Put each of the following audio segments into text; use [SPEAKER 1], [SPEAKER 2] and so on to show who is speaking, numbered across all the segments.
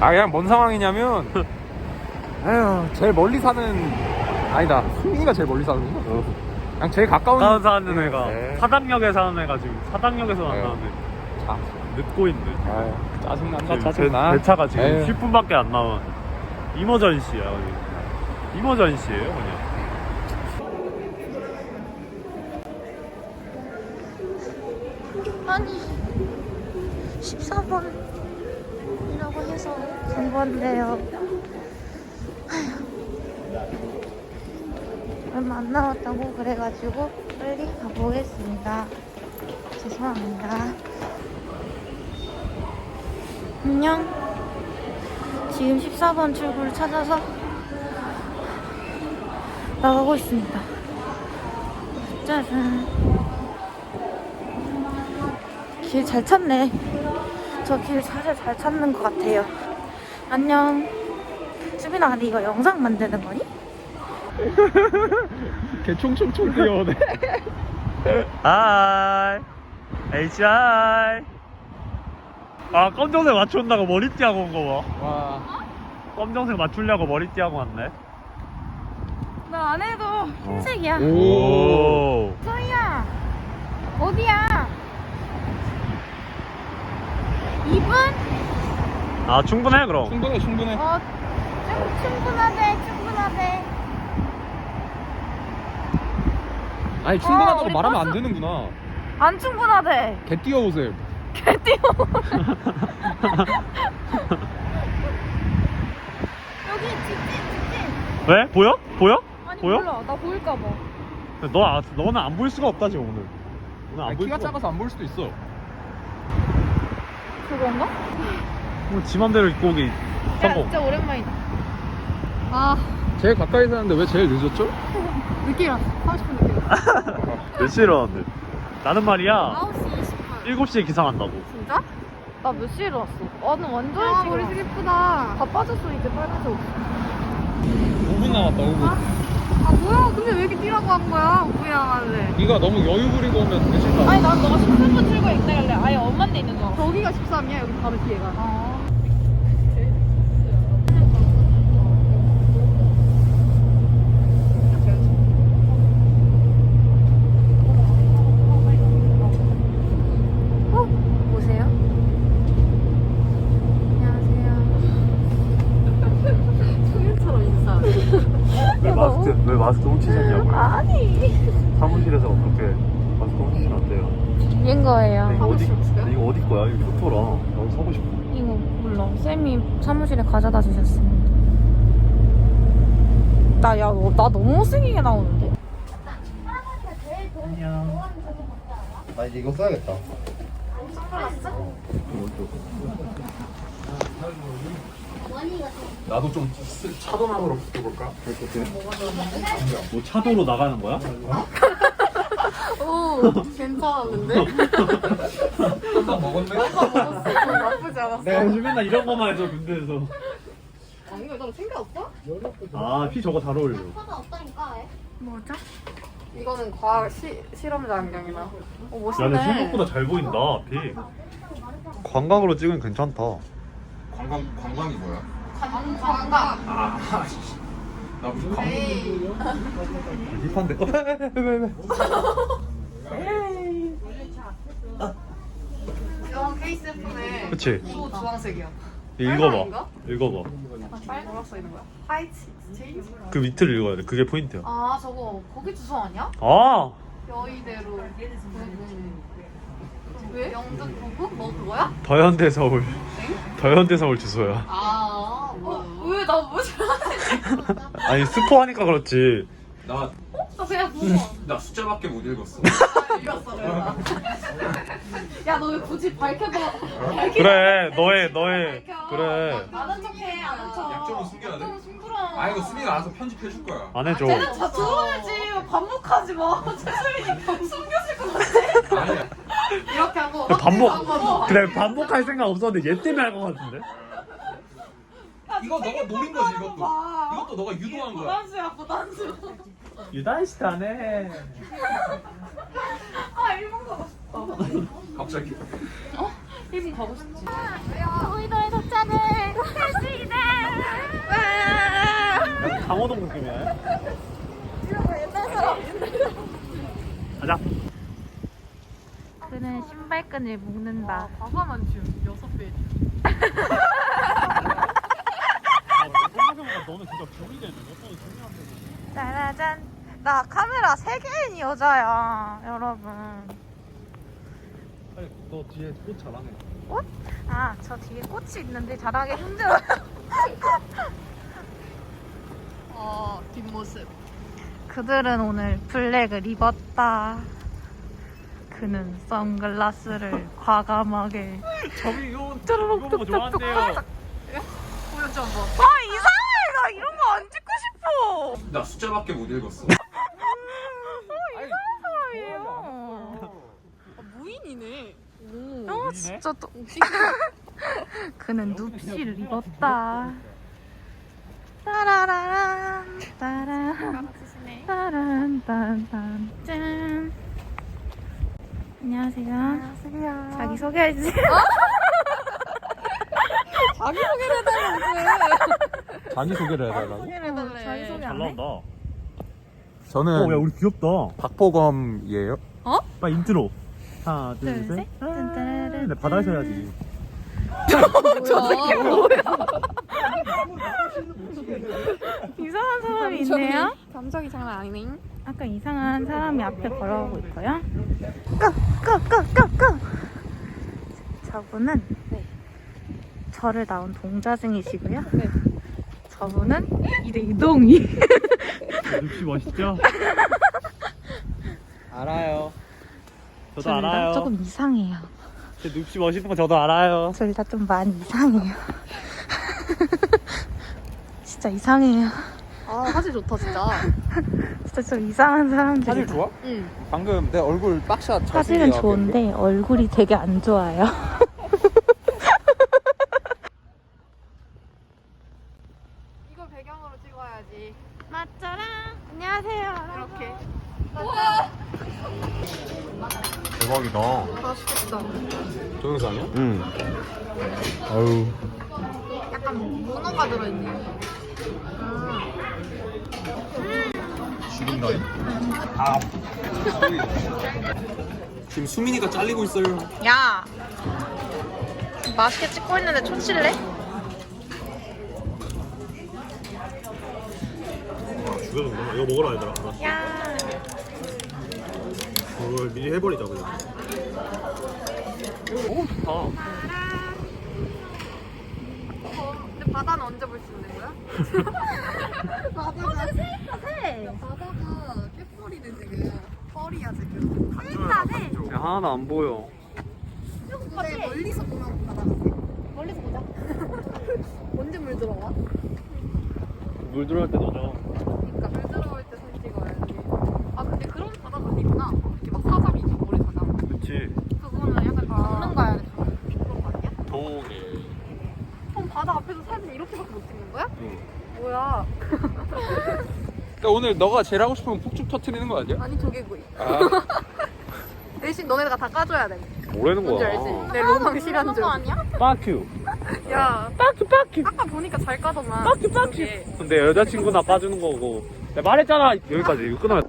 [SPEAKER 1] 아 그냥 뭔 상황이냐면 아유 제일 멀리 사는 아니다 승민이가 제일 멀리 사는구나. 그냥 제일 가까운
[SPEAKER 2] 사는 애가
[SPEAKER 1] 네.
[SPEAKER 2] 사당역에 사는 애가 지금 사당역에서 만나는데
[SPEAKER 1] 자,
[SPEAKER 2] 늦고 있네.
[SPEAKER 1] 아유, 짜증난다
[SPEAKER 2] 지금
[SPEAKER 1] 짜증나.
[SPEAKER 2] 배차가 지금
[SPEAKER 1] 에휴.
[SPEAKER 2] 10분밖에 안 남은 이머전시야. 이머전시예요 그냥.
[SPEAKER 3] 아니 14번이라고 해서 간 건데요. 얼마 안 남았다고 그래가지고 빨리 가보겠습니다. 죄송합니다. 안녕. 지금 14번 출구를 찾아서 나가고 있습니다. 짜잔. 길 잘 찾네. 저 길 사실 잘 찾는 것 같아요. 안녕. 수빈아, 근데 이거 영상 만드는 거니?
[SPEAKER 1] 개 총총총 뛰어오네.
[SPEAKER 2] 하이 HI. 아 검정색 맞춘다고 머리띠 하고 온 거 봐.
[SPEAKER 1] 와.
[SPEAKER 2] 검정색 맞추려고 머리띠 하고 왔네.
[SPEAKER 3] 나 안 해도 흰색이야.
[SPEAKER 2] 오.
[SPEAKER 3] 소희야, 어디야? 2분?
[SPEAKER 2] 아 충분해 그럼.
[SPEAKER 1] 충분해 충분해.
[SPEAKER 3] 충분하대, 충분하대.
[SPEAKER 1] 아니 충분하다고
[SPEAKER 3] 우리
[SPEAKER 1] 말하면
[SPEAKER 3] 버스-
[SPEAKER 1] 안 되는구나.
[SPEAKER 3] 안 충분하대.
[SPEAKER 1] 개 뛰어오세요.
[SPEAKER 3] 개 뛰어. 여기 직진.
[SPEAKER 2] 왜? 보여? 보여?
[SPEAKER 3] 아니
[SPEAKER 2] 보여?
[SPEAKER 3] 몰라, 나 보일까 봐.
[SPEAKER 2] 너는 안 보일 수가 없다 지금 오늘. 오늘 안
[SPEAKER 1] 아니,
[SPEAKER 2] 보일
[SPEAKER 1] 키가
[SPEAKER 2] 수가
[SPEAKER 1] 작아서 안 볼 수도 있어.
[SPEAKER 3] 그건가?
[SPEAKER 2] 오늘 지 맘대로 입고 오기 성공.
[SPEAKER 3] 진짜 오랜만이다. 아,
[SPEAKER 1] 제일 가까이 사는데 왜 제일 늦었죠?
[SPEAKER 3] 늦게 일어났어. 30분 늦게 일어났어.
[SPEAKER 2] 몇 시에 일어났는데? 나는 말이야
[SPEAKER 3] 9시 20분.
[SPEAKER 2] 7시에 기상한다고.
[SPEAKER 3] 진짜? 나 몇 시에 일어났어? 나는 완전 일찍 머리 색 예쁘다. 다 빠졌어, 이제 빨간색 옷.
[SPEAKER 1] 5분 남았다 5분.
[SPEAKER 3] 아, 뭐야? 근데 왜 이렇게 뛰라고 한 거야? 미안하네.
[SPEAKER 1] 네가 너무 여유 부리고 오면 늦을까?
[SPEAKER 3] 아니, 난 너가 13분 출구에 있다길래 아예 엄만 데 있는 거. 저기가 13이야, 여기 바로 뒤에가. 아. 보세요. 안녕하세요. 소일처럼 인사.
[SPEAKER 2] 왜 마스크 훔치셨냐고요?
[SPEAKER 3] 아니.
[SPEAKER 2] 사무실에서 어떻게 마스크 훔치시면 안 돼요?
[SPEAKER 3] 인 거예요.
[SPEAKER 2] 이거 어디 거야? 이거 토토라. 나도 사고 싶어.
[SPEAKER 3] 이거 몰라. 쌤이 사무실에 가져다 주셨습니다. 나 너무 못생기게 나오는데?
[SPEAKER 4] 나 이제 이거 써야겠다.
[SPEAKER 1] 나도 좀 차도남으로 붙어볼까?
[SPEAKER 2] 뭐 차도로 나가는 거야?
[SPEAKER 3] 오, 괜찮았는데?
[SPEAKER 1] 한잔 먹었네?
[SPEAKER 3] 나쁘지 않았어.
[SPEAKER 2] 내가 요즘 맨날 이런 거만 해서 군대에서.
[SPEAKER 3] 아니, 이거 너 챙겨왔어?
[SPEAKER 2] 아, 피 저거 잘 어울려.
[SPEAKER 3] 뭐죠? 이거는 과학 실험자 안경이다.
[SPEAKER 2] 야,
[SPEAKER 3] 멋있네.
[SPEAKER 2] 근데 생각보다 잘 보인다, 피. 관광으로 찍으면 괜찮다.
[SPEAKER 1] 관광이 뭐야?
[SPEAKER 3] 관광.
[SPEAKER 1] 나 무슨 관광?
[SPEAKER 2] 힙한데. 왜?
[SPEAKER 3] 이건 케이스 예쁘네.
[SPEAKER 2] 그치?
[SPEAKER 3] 또 주황색이야.
[SPEAKER 2] 읽어봐. 읽어봐.
[SPEAKER 3] 뭐라고 써있는 거야? 화이트 체인지?
[SPEAKER 2] 그 밑을 읽어야 돼. 그게 포인트야.
[SPEAKER 3] 아, 저거 거기 주소 아니야?
[SPEAKER 2] 아!
[SPEAKER 3] 여의대로 왜? 영등 부부? 너 그거야?
[SPEAKER 2] 더현대 서울. 더현대 서울 주소야.
[SPEAKER 3] 아, 왜 나 뭐지?
[SPEAKER 2] 아니, 스포하니까 그렇지.
[SPEAKER 1] 나
[SPEAKER 3] 나 그냥 보고
[SPEAKER 1] 숫자밖에 못 읽었어.
[SPEAKER 3] 읽었어 내가. 야, 너 왜 굳이 밝혀도
[SPEAKER 2] 그래, 너의. 그래.
[SPEAKER 3] 아는 척해, 아는 척.
[SPEAKER 1] 약점은 숨겨야 돼?
[SPEAKER 3] 약점은 숨기라.
[SPEAKER 1] 아 이거 수민이가 알아서 편집해줄 거야.
[SPEAKER 2] 안 해줘.
[SPEAKER 3] 쟤는 다 들어야지. 반복하지 마. 최수민이 숨겨질 것 같아.
[SPEAKER 1] 아니야.
[SPEAKER 3] 이렇게 하고
[SPEAKER 2] 그래, 반복할 생각 없었는데 얘 때문에 할 것 같은데?
[SPEAKER 1] 이거 너가 노린 거지 이것도. 이것도 너가 유도한 거야.
[SPEAKER 3] 부단수야.
[SPEAKER 2] 유단시타네.
[SPEAKER 3] 아, 일본 가고 싶다.
[SPEAKER 1] 갑자기.
[SPEAKER 3] 일본 가고 싶지. 우리도의 도착을 할 수 있다.
[SPEAKER 2] 강호동 느낌이야. 가자.
[SPEAKER 3] 그는 신발끈을 묶는다.
[SPEAKER 5] 과감한 춤 6배.
[SPEAKER 2] 생각해보니까 너는 진짜 병이 되네. 몇 번이 중요한데.
[SPEAKER 3] 짜라잔. 나 카메라 3개인 여자야, 여러분.
[SPEAKER 2] 아니, 너 뒤에 꽃 잘하네.
[SPEAKER 3] 꽃? 아, 저 뒤에 꽃이 있는데 잘하기 힘들어요.
[SPEAKER 5] 뒷모습.
[SPEAKER 3] 그들은 오늘 블랙을 입었다. 그는 선글라스를 과감하게.
[SPEAKER 2] 저기 이거
[SPEAKER 3] 뚜루룩
[SPEAKER 2] 이거 뭐 좋아한대요.
[SPEAKER 5] 보여줘 한번.
[SPEAKER 3] 이상해. 나 이런 거 안 찍고 싶어.
[SPEAKER 1] 나 숫자밖에 못 읽었어.
[SPEAKER 3] 이상한 사람이에요.
[SPEAKER 5] 무인이네.
[SPEAKER 3] 진짜 또. 그는 눕시를 입었다. 따라라란 따란 따란 딴딴 짠. 안녕하세요. 안녕하세요. 자기 소개해주세요.
[SPEAKER 5] 자기 소개를 해달라고.
[SPEAKER 1] 자기 소개를 해달라고?
[SPEAKER 3] 자기 소개
[SPEAKER 2] 잘
[SPEAKER 3] 안 해?
[SPEAKER 2] 나온다.
[SPEAKER 1] 저는
[SPEAKER 2] 야 우리 귀엽다.
[SPEAKER 1] 박보검이에요.
[SPEAKER 2] 빨리 인트로. 하나
[SPEAKER 3] 둘,
[SPEAKER 2] 둘
[SPEAKER 3] 셋.
[SPEAKER 2] 셋.
[SPEAKER 3] 딴따라란.
[SPEAKER 2] 근데 바다에서 해야지.
[SPEAKER 3] 이상한 사람이 있네요.
[SPEAKER 5] 감정이 장난 아니네.
[SPEAKER 3] 아까 이상한 사람이 앞에 걸어오고 있고요. 끄! 저분은 저를 낳은 동자승이시고요. 저분은 이동이.
[SPEAKER 2] 눕시 멋있죠? 알아요. 저도
[SPEAKER 3] 둘 다
[SPEAKER 2] 알아요.
[SPEAKER 3] 조금 이상해요.
[SPEAKER 2] 제 눕시 멋있는 거 저도 알아요.
[SPEAKER 3] 둘 다 좀 많이 이상해요. 진짜 이상해요.
[SPEAKER 5] 아 화질 좋다 진짜.
[SPEAKER 3] 진짜 좀 이상한 사람들.
[SPEAKER 1] 사실 좋아?
[SPEAKER 5] 응.
[SPEAKER 1] 방금 내 얼굴 빡샷 잘
[SPEAKER 3] 사실은
[SPEAKER 1] 쓰기가
[SPEAKER 3] 좋은데 얼굴이 되게 안 좋아요.
[SPEAKER 5] 이거 배경으로 찍어야지.
[SPEAKER 3] 맞잖아. 안녕하세요.
[SPEAKER 5] 이렇게.
[SPEAKER 1] 대박이다.
[SPEAKER 5] 맛있겠다.
[SPEAKER 1] 동영상이야?
[SPEAKER 2] 응.
[SPEAKER 1] 아유.
[SPEAKER 5] 약간 문어가 들어있네.
[SPEAKER 1] 죽인다잉? 아. 지금 수민이가 잘리고 있어요.
[SPEAKER 3] 야, 맛있게 찍고 있는데 초칠래?
[SPEAKER 2] 죽여준다. 이거 먹으라 얘들아.
[SPEAKER 3] 야,
[SPEAKER 2] 이걸 미리 해버리자 그냥. 오 좋다.
[SPEAKER 5] 근데 바다는 언제 볼 수 있는 거야? 바다가
[SPEAKER 3] 새.
[SPEAKER 5] 바다가 꾀꼬리네 지금. 뻘이야 지금.
[SPEAKER 2] 야, 하나도 안 보여.
[SPEAKER 5] 근데 멀리서 보면 바다 같아. 멀리서 보자. 언제 물 들어와?
[SPEAKER 2] 물 들어갈 때 넣어줘.
[SPEAKER 5] 그러니까 물 들어올 때 사진 찍어야지. 아 근데 그런 바다가 있구나. 이렇게 막 사잠이 있고 모래 사잠.
[SPEAKER 2] 그렇지.
[SPEAKER 5] 그거는 약간 강릉 가야 돼. 그런 거 아니야?
[SPEAKER 2] 동해.
[SPEAKER 5] 그럼 바다 앞에서 사진 이렇게밖에 못 찍는 거야?
[SPEAKER 2] 응.
[SPEAKER 5] 뭐야?
[SPEAKER 1] 그러니까 오늘 너가 제일 하고 싶으면 폭죽 터트리는 거 아니야?
[SPEAKER 5] 아니 조개구이.
[SPEAKER 1] 아.
[SPEAKER 5] 대신 너네가 다 까줘야 돼.
[SPEAKER 2] 뭐라는
[SPEAKER 5] 뭔지 알지? 내 로망 실현 중. 아니야?
[SPEAKER 2] 빠큐.
[SPEAKER 5] 야,
[SPEAKER 2] 빠큐.
[SPEAKER 5] 아까 보니까 잘 까더만.
[SPEAKER 2] 빠큐. 근데 여자친구나 빠주는 거고. 내가 말했잖아. 여기까지. 이거 끊으면.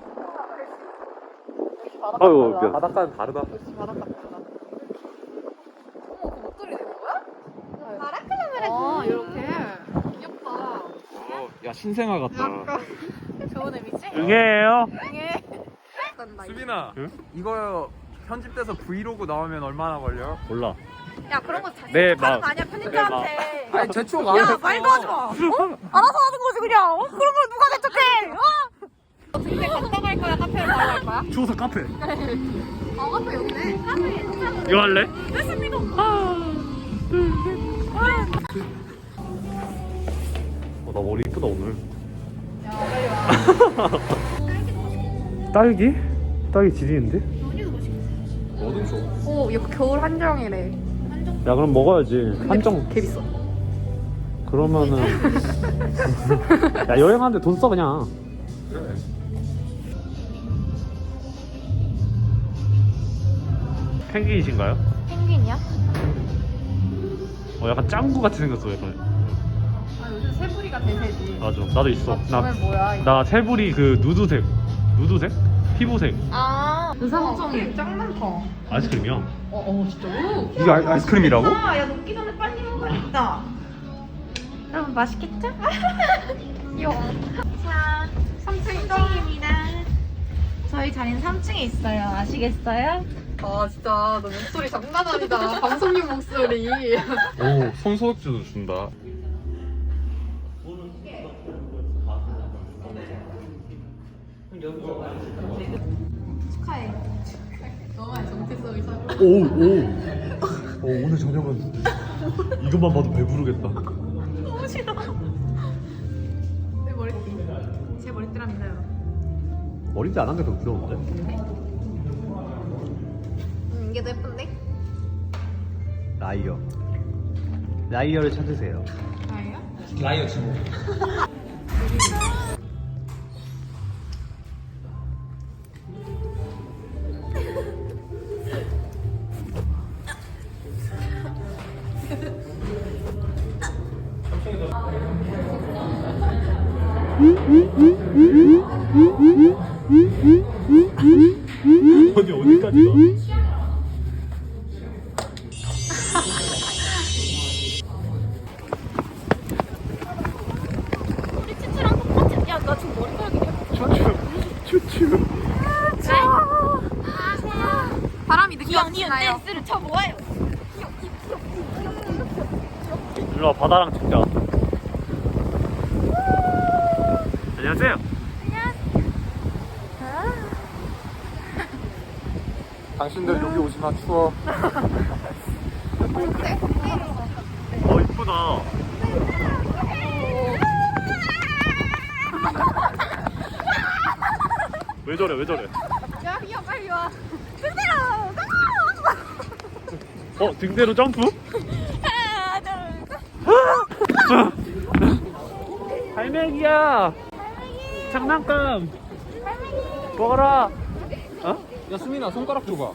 [SPEAKER 2] 아유 미안.
[SPEAKER 1] 바닷가는 다르다.
[SPEAKER 5] 바닷가 보다. 어머, 그 목도리 되는 거야? 아, 이렇게. 귀엽다.
[SPEAKER 1] 야 신생아 같다.
[SPEAKER 5] 약간 좋은 의미지?
[SPEAKER 2] 응애예요.
[SPEAKER 5] 응애. 간다, 이제.
[SPEAKER 1] 수빈아,
[SPEAKER 2] 응?
[SPEAKER 1] 이거 편집돼서 브이로그 나오면 얼마나 걸려?
[SPEAKER 2] 몰라.
[SPEAKER 5] 야, 그런 거 잘
[SPEAKER 2] 네,
[SPEAKER 5] 하는 거
[SPEAKER 2] 막.
[SPEAKER 5] 아니야, 편집자한테.
[SPEAKER 1] 아니 재촉 안
[SPEAKER 5] 야,
[SPEAKER 1] 했어.
[SPEAKER 5] 말도 하지 마. 알아서 하는 거지, 그냥. 그런 걸 누가 대척해? 근데 갔다 갈 거야, 카페를 바로 갈 거야?
[SPEAKER 2] 추워서 카페.
[SPEAKER 5] 아, 카페 여기네. 카페 괜찮아.
[SPEAKER 2] 이거 할래?
[SPEAKER 5] 됐습니다.
[SPEAKER 2] 나 머리 이쁘다 오늘. 딸기? 딸기 지리는데?
[SPEAKER 1] 뭐든 줘.
[SPEAKER 5] 오, 이거 겨울 한정이래.
[SPEAKER 2] 야 그럼 먹어야지. 한정.
[SPEAKER 5] 개 비싸.
[SPEAKER 2] 그러면은 야 여행하는데 돈 써 그냥.
[SPEAKER 1] 그래.
[SPEAKER 2] 펭귄이신가요?
[SPEAKER 3] 펭귄이야?
[SPEAKER 2] 약간 짱구 같이 생겼어 약간.
[SPEAKER 5] 아 요새 새부리가 대세지.
[SPEAKER 2] 맞아 나도 있어.
[SPEAKER 5] 저는 뭐야? 이거.
[SPEAKER 2] 나 새부리 그 누드색 피부색
[SPEAKER 5] 아 의상점이 짱 많다.
[SPEAKER 2] 아이스크림이야.
[SPEAKER 5] 진짜로?
[SPEAKER 1] 이게 아이스크림이라고?
[SPEAKER 5] 야 녹기 전에 빨리 먹어야겠다. 여러분 맛있겠죠? 귀여워. 자 3층입니다. 저희 자리는 3층에 있어요. 아시겠어요?
[SPEAKER 6] 아 진짜 너 목소리 장난 아니다. 방송용 목소리.
[SPEAKER 1] 오, 손소독제도 준다.
[SPEAKER 6] 축하해. 너만의 정체성이 사.
[SPEAKER 2] 오늘 저녁은 이것만 봐도 배부르겠다.
[SPEAKER 5] 너무 싫어.
[SPEAKER 6] 내 머리띠. 제 머리띠랍니다 여러분.
[SPEAKER 2] 머리띠 안 한 게 더 부러운데?
[SPEAKER 6] 이게 더 예쁜데?
[SPEAKER 2] 라이어를 찾으세요.
[SPEAKER 6] 아예요?
[SPEAKER 1] 라이어 친구.
[SPEAKER 2] 어디까지 가?
[SPEAKER 3] 우리 치치랑 똑같이. 야, 나 지금 머리카락이
[SPEAKER 2] 추추.
[SPEAKER 6] 바람이 늦게
[SPEAKER 3] 니은
[SPEAKER 6] 왔나요?
[SPEAKER 3] 댄스를 쳐보아요.
[SPEAKER 2] 일로 와 바다랑 찍자. 안녕하세요.
[SPEAKER 1] 당신들 여기 오지 마, 추워.
[SPEAKER 2] 이쁘다. 왜 저래?
[SPEAKER 6] 야 빨리 와.
[SPEAKER 2] 등대로 점프? 할매기야. 장난감. 먹어라.
[SPEAKER 1] 야, 수민아, 손가락 줘봐.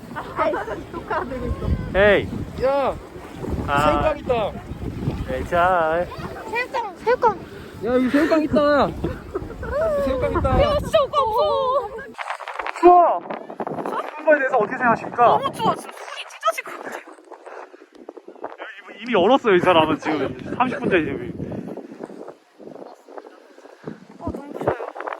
[SPEAKER 2] 에이.
[SPEAKER 1] 야, 새우깡 있다.
[SPEAKER 2] 잘.
[SPEAKER 3] 새우깡.
[SPEAKER 1] 야, 여기 새우깡 있다. 새우깡 있다.
[SPEAKER 3] 진짜 오빠 없어.
[SPEAKER 2] 추워. 추운 거에 대해서 어떻게 생각하십니까?
[SPEAKER 3] 너무 추워. 지금 손이 찢어질 것 같아.
[SPEAKER 2] 이미 얼었어요 이 사람은 지금 30분째 지금.
[SPEAKER 3] 너무 추워요.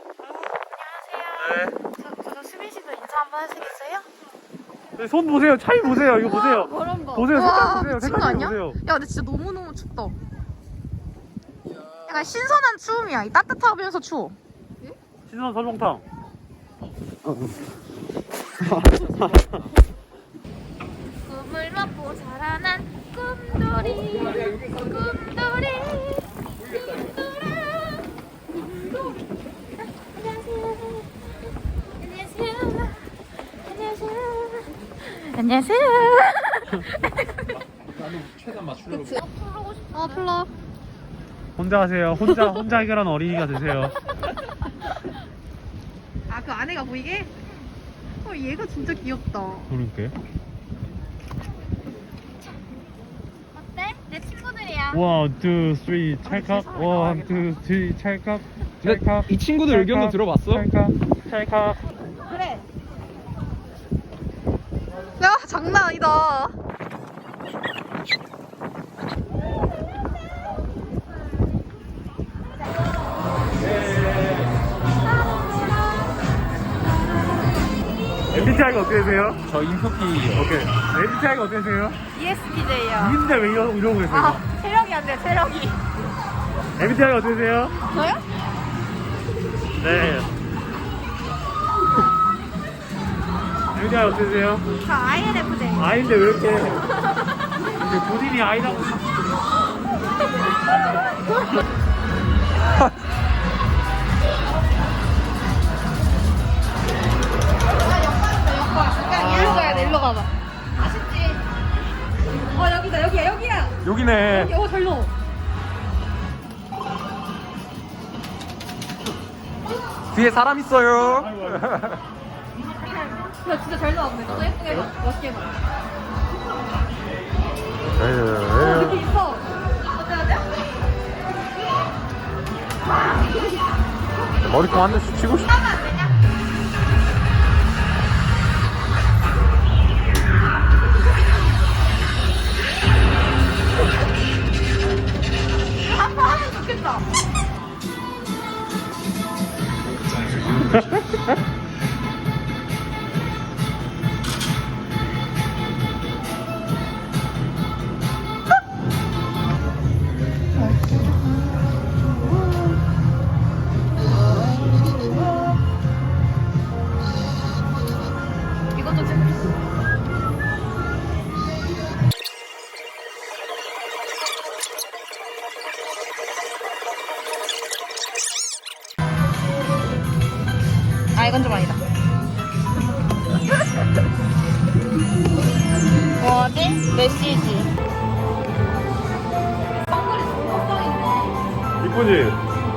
[SPEAKER 2] 네.
[SPEAKER 3] 안녕하세요. 저 수빈 씨도 인사 한번 하시겠어요?
[SPEAKER 2] 손 보세요. 차이 보세요. 이거 보세요.
[SPEAKER 6] 바람 봐.
[SPEAKER 2] 보세요. 색깔 보세요.
[SPEAKER 6] 미친 거
[SPEAKER 2] 색깔
[SPEAKER 6] 아니야?
[SPEAKER 2] 보세요.
[SPEAKER 6] 야 근데 진짜 너무너무 춥다. 약간 신선한 추움이야. 이 따뜻하면서 추워.
[SPEAKER 2] 신선 설렁탕.
[SPEAKER 3] 꿈을 먹고 자라난 꿈돌이. 꿈돌이. 안녕하세요.
[SPEAKER 1] 나는 최대한 맞추려고.
[SPEAKER 6] 플러.
[SPEAKER 2] 혼자 하세요. 혼자 해결하는 어린이가 되세요.
[SPEAKER 6] 아 그 아내가 보이게? 얘가 진짜 귀엽다.
[SPEAKER 2] 그러니까.
[SPEAKER 3] 어때? 내 친구들이야.
[SPEAKER 2] 1, 2, 3 찰칵. 1, 2, 3 찰칵. 찰칵.
[SPEAKER 1] 이 친구들 의견도 들어봤어?
[SPEAKER 2] 찰칵.
[SPEAKER 3] 그래.
[SPEAKER 6] 야 장난 아니다.
[SPEAKER 2] MBTI가 어떻게 되세요?
[SPEAKER 1] 저 인프피.
[SPEAKER 2] 오케이. MBTI가 어떻게 되세요?
[SPEAKER 3] ESTJ요.
[SPEAKER 2] 인데 왜 이러고 계세요?
[SPEAKER 3] 체력이 안 돼, 체력이.
[SPEAKER 2] MBTI가 어떻게 되세요?
[SPEAKER 3] 저요?
[SPEAKER 2] 네. MBTI 어떻게 되세요?
[SPEAKER 3] 저 INFJ.
[SPEAKER 2] 아인데 왜 이렇게 본인이 아이라고.
[SPEAKER 6] 일로 가야 돼. 일로 가봐.
[SPEAKER 5] 여기다 여기야.
[SPEAKER 1] 여기네.
[SPEAKER 5] 잘 넣어.
[SPEAKER 1] 뒤에 사람 있어요.
[SPEAKER 5] 야 진짜 잘 나왔네. 너 예쁘게 해봐. 멋있게 해봐. 느낌 있어.
[SPEAKER 1] 머리통 한 대씩 치고 싶어.
[SPEAKER 5] 하면 좋겠다. 이것도 재밌어. 아 이건 좀 아니다. 뭐지? 메시지.
[SPEAKER 2] 이쁘지?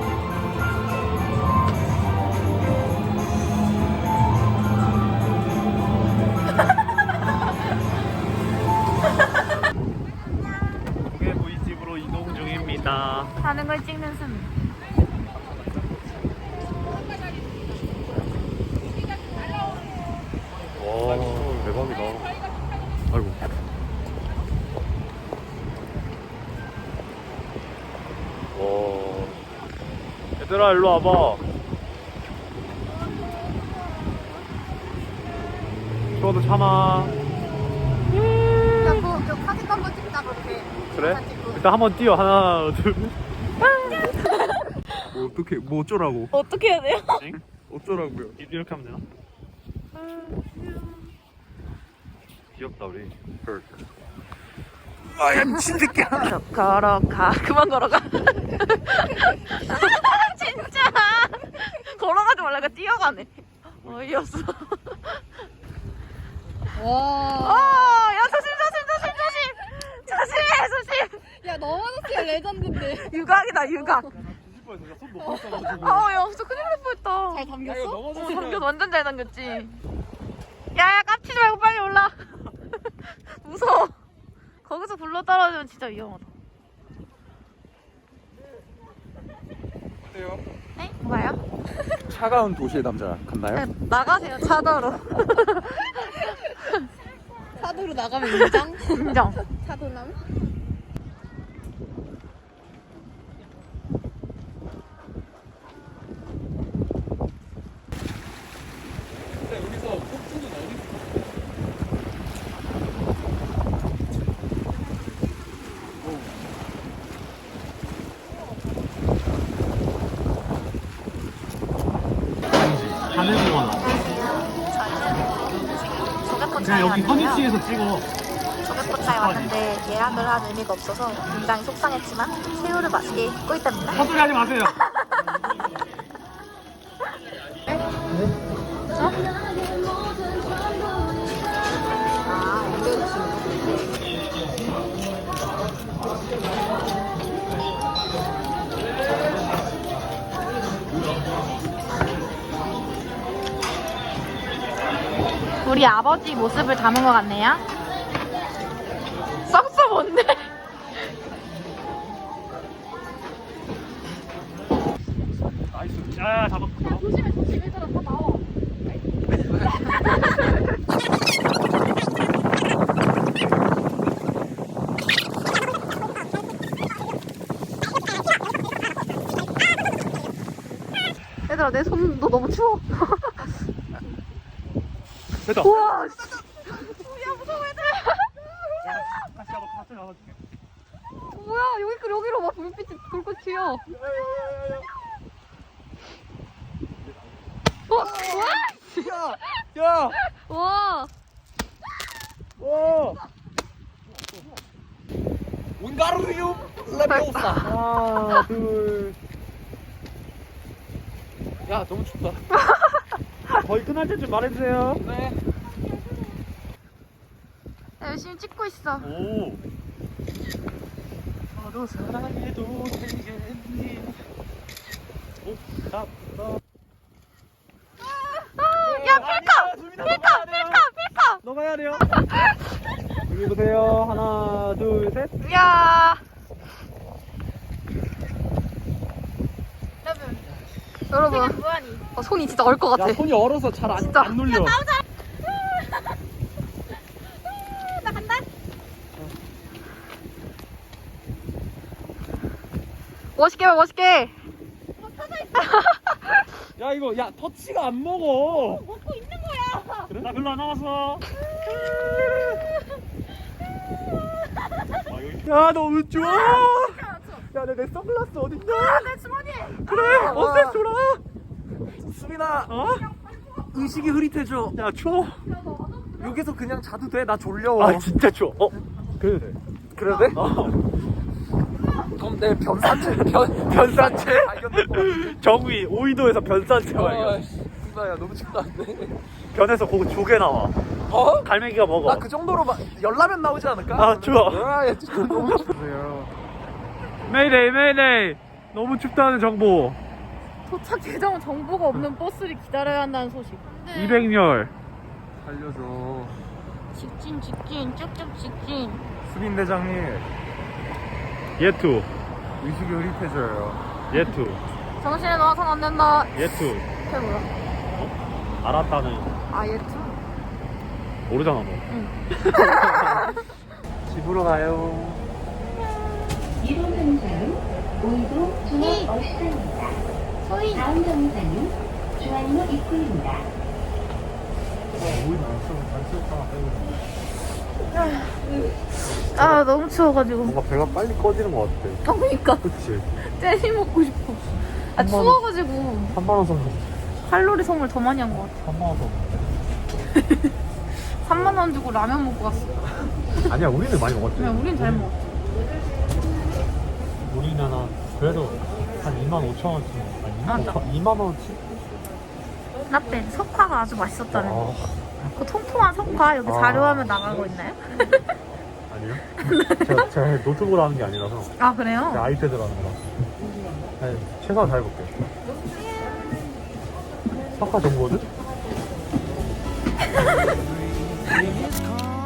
[SPEAKER 2] 고깃집으로 이동 중입니다.
[SPEAKER 3] 하는 걸 찍는 순.
[SPEAKER 2] 와, 대박이다. 아이고. 와. 얘들아, 일로 와봐. 추워도 참아.
[SPEAKER 5] 저 사진 한번 찍자 그렇게.
[SPEAKER 2] 그래? 일단 한번 뛰어. 하나, 둘. 뭐 어떻게, 뭐 어쩌라고?
[SPEAKER 3] 어떻게 해야 돼요?
[SPEAKER 2] 어쩌라고요? 이렇게 하면 되나? 귀엽다 우리. 아야 미친 새끼야.
[SPEAKER 3] 걸어가. 그만 걸어가. 진짜. 걸어가지 말라가 뛰어가네. 어이없어.
[SPEAKER 5] 와.
[SPEAKER 3] 야 조심. 조심해 조심.
[SPEAKER 5] 야 너만했으면 레전드인데.
[SPEAKER 3] 유각이다 유각.
[SPEAKER 2] 손 높았어가지고.
[SPEAKER 3] 야 진짜 큰일 날 뻔했다.
[SPEAKER 5] 잘 담겼어?
[SPEAKER 3] 당겼 완전 잘 당겼지. 야야 깝치지 말고 빨리 올라. 무서워. 거기서 굴러 떨어지면 진짜 위험하다.
[SPEAKER 1] 어때요?
[SPEAKER 3] 네? 뭐가요?
[SPEAKER 1] 차가운 도시의 남자 같나요?
[SPEAKER 3] 네, 나가세요 차도로.
[SPEAKER 5] 차도로 나가면 인정?
[SPEAKER 3] 인정.
[SPEAKER 5] 차도남?
[SPEAKER 1] 근데 여기서 폭포는 어디 있어?
[SPEAKER 2] 하늘공원. 그냥 여기 허니치에서 찍어.
[SPEAKER 3] 조개포차에 왔는데 예약을 한 의미가 없어서 굉장히 속상했지만 새우를 맛있게 굽고 있답니다.
[SPEAKER 2] 헛소리 하지 마세요.
[SPEAKER 3] 우리 아버지 모습을 담은 것 같네요. 썩소 뭔데?
[SPEAKER 2] 나이스. 야, 잡았어.
[SPEAKER 5] 조심해 얘들아 다 나와. 얘들아 내 손 너 너무 추워.
[SPEAKER 2] 됐다.
[SPEAKER 3] 우와.
[SPEAKER 5] 야 무서워 얘들아.
[SPEAKER 2] 같이 잡아줄게.
[SPEAKER 5] 뭐야 여기로 막 불빛이 불꽃 튀어.
[SPEAKER 2] 야!
[SPEAKER 5] 와.
[SPEAKER 2] 와!
[SPEAKER 1] 운가루유 레비오사.
[SPEAKER 2] 하나, 둘.
[SPEAKER 1] 야 너무 춥다.
[SPEAKER 2] 거의 끝날 때쯤 말해주세요.
[SPEAKER 1] 네.
[SPEAKER 3] 열심히 찍고 있어.
[SPEAKER 2] 오. 너도 사랑해도 되겠니? 오, 나.
[SPEAKER 3] 야 필카.
[SPEAKER 2] 너가 해야 돼요. 여기 보세요. 하나, 둘, 셋. 셋.
[SPEAKER 5] 야. 여러분. 손이 진짜 얼 것 같아.
[SPEAKER 1] 야 손이 얼어서 잘 안 눌려.
[SPEAKER 5] 나 간다. 멋있게 봐, 멋있게.
[SPEAKER 1] 야 이거 야 터치가 안 먹어.
[SPEAKER 5] 먹고 있는 거야.
[SPEAKER 2] 그래? 나 별로 안 남았어.
[SPEAKER 1] 야 너무 좋아. 야 내 선글라스 어딨냐?
[SPEAKER 5] 내 주머니.
[SPEAKER 1] 그래 어때 줘라. 수빈아 의식이 흐릿해져. 야 추워. 여기서 그냥 자도 돼. 나 졸려.
[SPEAKER 2] 아 진짜 추워. 그래도 돼.
[SPEAKER 1] 그래도 돼? 그럼 내 변산체 변산체 발견될 것 같은데.
[SPEAKER 2] 정위 5위도에서 변산체 발견.
[SPEAKER 1] 야 너무 춥다는데.
[SPEAKER 2] 변에서 그거 조개 나와.
[SPEAKER 1] 어?
[SPEAKER 2] 갈매기가 먹어.
[SPEAKER 1] 나 그 정도로 막 열라면 나오지 않을까?
[SPEAKER 2] 아, 추워.
[SPEAKER 1] 아, 야, 진짜 너무 춥네요.
[SPEAKER 2] 메이데이 메이데이. 너무 춥다는 정보.
[SPEAKER 5] 도착 예정 정보가 없는 버스를 기다려야 한다는 소식.
[SPEAKER 2] 200열.
[SPEAKER 1] 살려줘.
[SPEAKER 5] 직진 쭉쭉 직진.
[SPEAKER 1] 수빈 대장님
[SPEAKER 2] 예투.
[SPEAKER 1] 의식이 흐릿해져요.
[SPEAKER 2] 예투.
[SPEAKER 5] 정신에 놓아선 안 된다.
[SPEAKER 2] 예투.
[SPEAKER 5] 그게 뭐야?
[SPEAKER 2] 알았다는.
[SPEAKER 5] 아 예투?
[SPEAKER 2] 모르잖아 너. 집으로 가요.
[SPEAKER 7] 이번 정상은 오이도 종합버스입니다. 다음 정상은 중앙로 입구입니다.
[SPEAKER 3] 아 너무 추워가지고.
[SPEAKER 2] 뭔가 배가 빨리 꺼지는 것 같아.
[SPEAKER 3] 그러니까
[SPEAKER 2] 그치?
[SPEAKER 3] 젤리 먹고 싶어. 아 추워가지고
[SPEAKER 2] 3만원 썼는데.
[SPEAKER 3] 칼로리 소모를 더 많이 한 것 같아.
[SPEAKER 2] 3만원 썼는데.
[SPEAKER 3] 3만 원 주고 라면 먹고 갔어.
[SPEAKER 2] 아니야 우리는 많이 먹었지.
[SPEAKER 3] 그냥 우린 잘 먹었어.
[SPEAKER 2] 우리는 그래도 한 25,000원쯤. 아니
[SPEAKER 3] 맞아.
[SPEAKER 2] 2만원치?
[SPEAKER 3] 라떼 석화가 아주 맛있었잖아요.
[SPEAKER 2] 어.
[SPEAKER 3] 그 통통한 석화 여기 자료화면 나가고 있나요?
[SPEAKER 2] 아니요. 제가 노트북으로 하는 게 아니라서.
[SPEAKER 3] 아 그래요?
[SPEAKER 2] 제가 아이패드로 하는 거라. 네, 최선을 다해볼게요. 석화 정보는?